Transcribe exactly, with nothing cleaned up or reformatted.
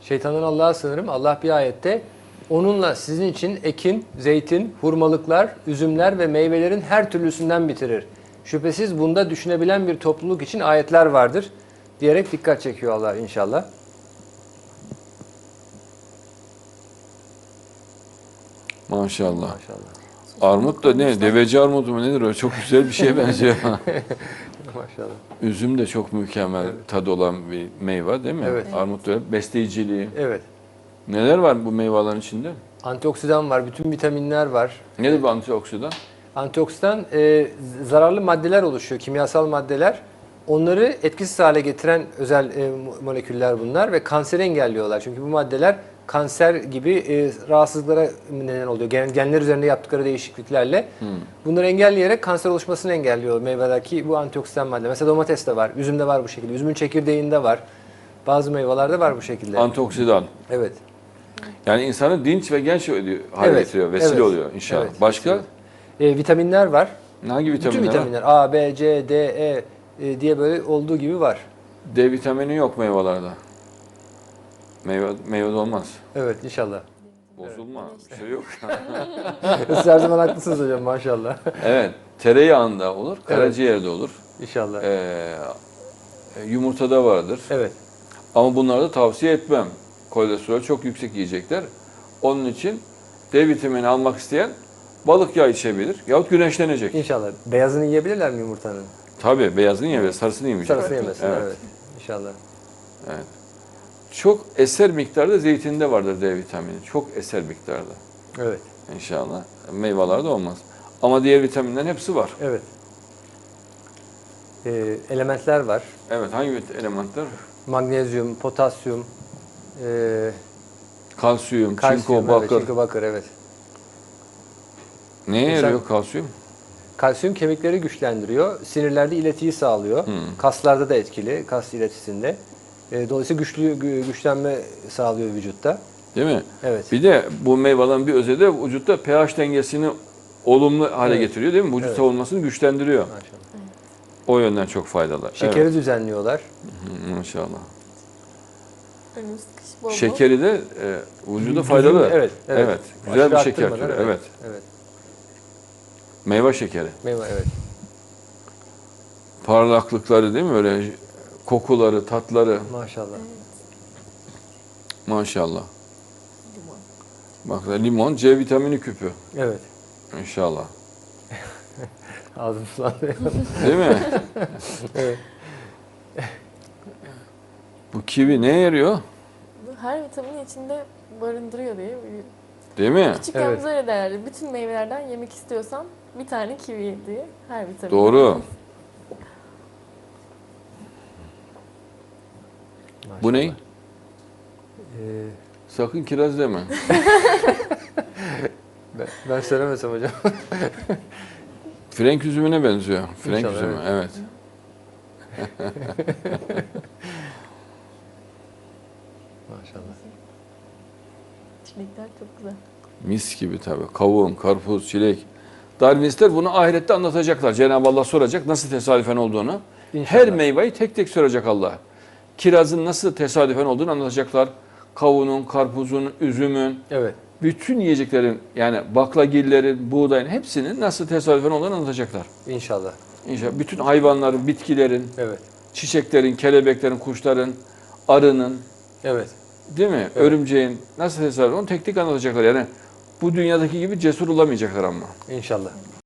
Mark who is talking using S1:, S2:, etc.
S1: Şeytandan Allah'a sığınırım. Allah bir ayette onunla sizin için ekin, zeytin, hurmalıklar, üzümler ve meyvelerin her türlüsünden bitirir. Şüphesiz bunda düşünebilen bir topluluk için ayetler vardır diyerek dikkat çekiyor Allah inşallah.
S2: Maşallah.
S1: Maşallah.
S2: Armut da ne? Deveci armudu mu nedir o? Çok güzel bir şeye benziyor.
S1: Maşallah.
S2: Üzüm de çok mükemmel evet. tadı olan bir meyve değil mi?
S1: Evet.
S2: Armut da besleyiciliği.
S1: Evet.
S2: Neler var bu meyvelerin içinde?
S1: Antioksidan var, bütün vitaminler var.
S2: Nedir bu antioksidan?
S1: Antioksidan e, zararlı maddeler oluşuyor, kimyasal maddeler. Onları etkisiz hale getiren özel e, moleküller bunlar ve kanseri engelliyorlar. Çünkü bu maddeler kanser gibi e, rahatsızlıklara neden oluyor. Gen, genler üzerinde yaptıkları değişikliklerle. Hmm. Bunları engelleyerek kanser oluşmasını engelliyor meyvelerdeki bu antioksidan madde. Mesela domateste var, üzümde var bu şekilde, üzümün çekirdeğinde var. Bazı meyvelerde var bu şekilde.
S2: Antioksidan.
S1: Evet.
S2: Yani insanı dinç ve genç hale
S1: evet.
S2: getiriyor, vesile
S1: evet.
S2: oluyor inşallah.
S1: Evet.
S2: Başka?
S1: E, vitaminler var.
S2: Hangi vitaminler?
S1: Bütün vitaminler var? A, B, C, D, E e diye böyle olduğu gibi var.
S2: D vitamini yok meyvelerde. Meyve, meyvede olmaz.
S1: Evet inşallah.
S2: Bozulma, evet. bir şey yok.
S1: Siz her zaman haklısınız hocam maşallah.
S2: Evet, tereyağında olur, karaciğerde evet. olur.
S1: İnşallah.
S2: Ee, yumurtada vardır.
S1: Evet.
S2: Ama bunları da tavsiye etmem. Kolesterol çok yüksek yiyecekler. Onun için D vitamini almak isteyen balık yağı içebilir yahut güneşlenecek.
S1: İnşallah. Beyazını yiyebilirler mi yumurtanın?
S2: Tabii, beyazını yemez, sarısını yemeyecek.
S1: Sarısını yemesin, evet. evet. İnşallah.
S2: Evet. Çok eser miktarda zeytinde vardır D vitamini. Çok eser miktarda.
S1: Evet.
S2: İnşallah. Meyvelerde olmaz. Ama diğer vitaminlerin hepsi var.
S1: Evet. Ee, elementler var.
S2: Evet, hangi elementler?
S1: Magnezyum, potasyum, e,
S2: kalsiyum,
S1: kalsiyum,
S2: çinko, bakır.
S1: Evet, çinko, bakır, evet.
S2: Neye
S1: Mesela,
S2: yarıyor kalsiyum?
S1: Kalsiyum kemikleri güçlendiriyor. Sinirlerde iletiyi sağlıyor. Hmm. Kaslarda da etkili, kas iletisinde. E, dolayısıyla güçlü güçlenme sağlıyor vücutta.
S2: Değil mi?
S1: Evet.
S2: Bir de bu meyvelerin bir özelliği de vücutta pH dengesini olumlu hale evet. getiriyor değil mi? Vücut evet. savunmasını güçlendiriyor. Maşallah. O yönden çok faydalı.
S1: Şekeri evet. düzenliyorlar.
S2: Hı, maşallah.
S3: Önümüz kış bol bol.
S2: Şekeri de e, vücuda faydalı.
S1: Evet, evet.
S2: evet. Güzel
S1: Aşırı
S2: bir şeker türü.
S1: Evet.
S2: evet.
S1: evet.
S2: Meyve şekeri.
S1: Meyve evet.
S2: Parlaklıkları değil mi? Öyle kokuları, tatları.
S1: Maşallah. Evet.
S2: Maşallah. Limon. Bak da limon C vitamini küpü.
S1: Evet.
S2: İnşallah.
S1: Ağzım sulandı.
S2: Değil mi?
S1: Evet.
S2: Bu kivi neye yarıyor?
S3: Her vitamini içinde barındırıyor diye biliyorum.
S2: Değil mi?
S3: Küçükken
S1: evet.
S3: öyle derlerdi. Bütün meyvelerden yemek istiyorsan bir tane kivi ye diye. Her vitamin.
S2: Doğru. Bu ne? Ee, Sakın kiraz deme.
S1: ben, ben söylemesem hocam.
S2: Frenk üzümüne benziyor. Frenk
S1: İnşallah,
S2: üzümü, evet. evet.
S1: Maşallah.
S3: Çilekler çok güzel.
S2: Mis gibi tabii. Kavun, karpuz, çilek. Darwinistler bunu ahirette anlatacaklar. Cenab-ı Allah soracak nasıl tesadüfen olduğunu. İnşallah. Her meyveyi tek tek soracak Allah. Kirazın nasıl tesadüfen olduğunu anlatacaklar. Kavunun, karpuzun, üzümün,
S1: evet.
S2: bütün yiyeceklerin yani baklagillerin, buğdayın hepsinin nasıl tesadüfen olduğunu anlatacaklar.
S1: İnşallah.
S2: İnşallah. Bütün hayvanların, bitkilerin,
S1: evet.
S2: çiçeklerin, kelebeklerin, kuşların, arının,
S1: evet.
S2: değil mi?
S1: Evet.
S2: Örümceğin nasıl tesadüfen onu tek tek anlatacaklar. Yani bu dünyadaki gibi cesur olamayacaklar ama.
S1: İnşallah.